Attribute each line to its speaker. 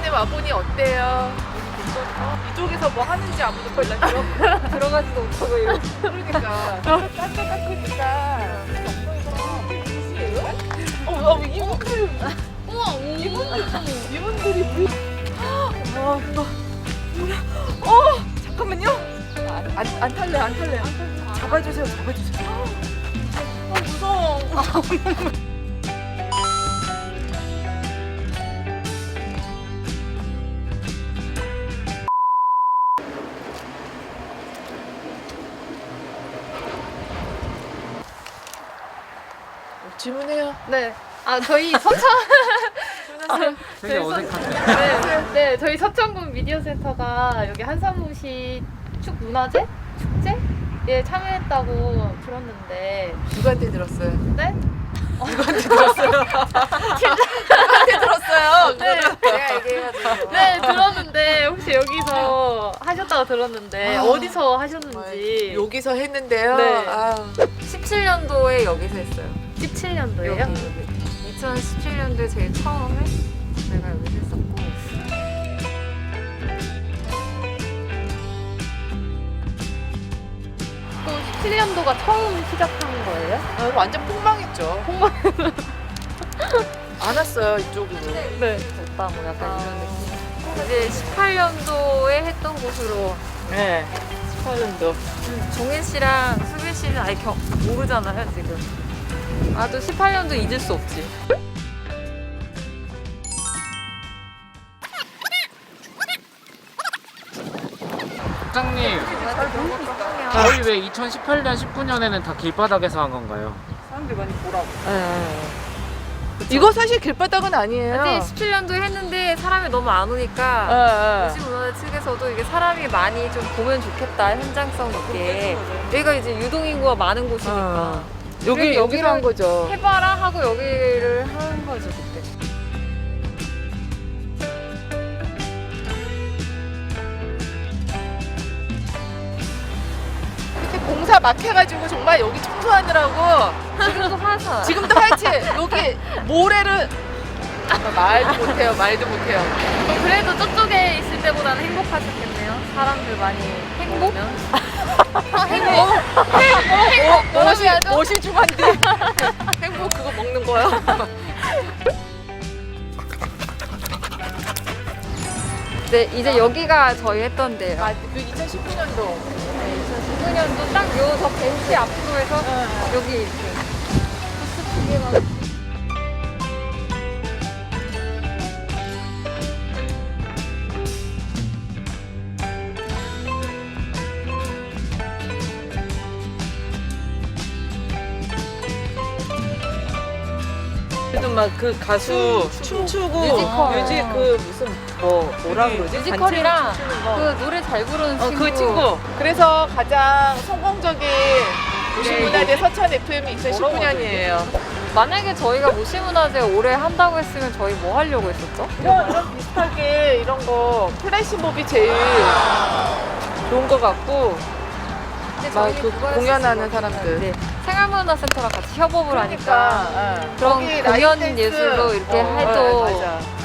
Speaker 1: 이번에 와보니 어때요? 이쪽에서 뭐 하는지 아무도 몰라.
Speaker 2: 들어가지도 못하고 이러고.
Speaker 1: 그러니까 깎으니까 이분들
Speaker 2: 우와,
Speaker 1: 이분들이 우리 잠깐만요. 안 탈래. 잡아주세요. 무서워. 질문해요.
Speaker 2: 네. 아, 저희 서천.
Speaker 3: 되게 어색한데.
Speaker 2: 네, 저희 서천군 미디어 센터가 여기 한산무시 축문화제? 축제에 참여했다고 들었는데.
Speaker 1: 누구한테 들었어요?
Speaker 2: 네?
Speaker 1: 누구한테 들었어요?
Speaker 2: 네.
Speaker 1: 내가 얘기해가지고.
Speaker 2: 네, 들었는데 혹시 여기서 하셨다고 들었는데 어디서 하셨는지.
Speaker 1: 여기서 했는데요.
Speaker 2: 네.
Speaker 4: 17년도에 여기서 했어요.
Speaker 2: 17년도예요?
Speaker 4: 여기. 2017년도에 제일 처음에 내가 여기서 했었고.
Speaker 2: 또 17년도가 처음 시작한 거예요?
Speaker 1: 완전 폭망했죠. 안 왔어요 이쪽으로.
Speaker 2: 네.
Speaker 4: 오빠 뭐 약간 이런 느낌. 이제 18년도에 했던 곳으로
Speaker 1: 네. 18년도.
Speaker 4: 종현 씨랑 수빈 씨는 아예 모르잖아요 지금. 또 18년도 잊을 수 없지.
Speaker 3: 부장님, 저희 왜 2018년, 19년에는 다 길바닥에서 한 건가요?
Speaker 1: 사람들이 많이 보라고.
Speaker 4: 네.
Speaker 1: 이거 사실 길바닥은 아니에요.
Speaker 4: 근데 17년도에 했는데 사람이 너무 안 오니까 도시문화재 측에서도 이게 사람이 많이 좀 보면 좋겠다, 현장성 있게. 여기가 이제 유동인구가 많은 곳이니까
Speaker 1: 여기로 한
Speaker 4: 여기를
Speaker 1: 거죠.
Speaker 4: 해봐라 하고 여기를 한 거죠 그때.
Speaker 1: 그때 공사 막 해가지고 정말 여기 청소하느라고
Speaker 4: 지금도 화사.
Speaker 1: 지금도 하여튼 여기 모래를 말도 못해요.
Speaker 2: 그래도 저쪽에 있을 때보다는 행복하셨겠네요. 사람들 많이
Speaker 4: 행복?
Speaker 1: 멋이 중한데 행복 그거 먹는 거요.
Speaker 4: 네, 이제 여기가 저희 했던 데예요.
Speaker 1: 그 2019년도.
Speaker 4: 2019년도 딱 요 저 벤치 앞으로 해서 여기 이렇게 코스 두 개만.
Speaker 5: 그래도 막 그 가수 춤추고
Speaker 4: 뮤지컬.
Speaker 5: 그 무슨 뭐라 그러지?
Speaker 4: 뮤지컬이랑
Speaker 5: 단체로 춤추는 거.
Speaker 4: 그 노래 잘 부르는 친구.
Speaker 5: 그 친구.
Speaker 1: 그래서 가장 성공적인 도시문화재 서천 FM이 2019년이에요.
Speaker 4: 만약에 저희가 무시문화재 올해 한다고 했으면 저희 뭐 하려고 했었죠?
Speaker 1: 이런 비슷하게 이런 거 플래시몹이 제일 좋은 것 같고
Speaker 4: 근데
Speaker 1: 막
Speaker 4: 저희는
Speaker 1: 그
Speaker 4: 그거
Speaker 1: 공연하는
Speaker 4: 했었어요.
Speaker 1: 사람들.
Speaker 4: 네, 생활문화센터랑 같이 협업을 하니까
Speaker 1: 그러니까
Speaker 4: 그런
Speaker 1: 거기
Speaker 4: 공연
Speaker 1: 라인 댄스.
Speaker 4: 예술로 이렇게 해도
Speaker 1: 맞아.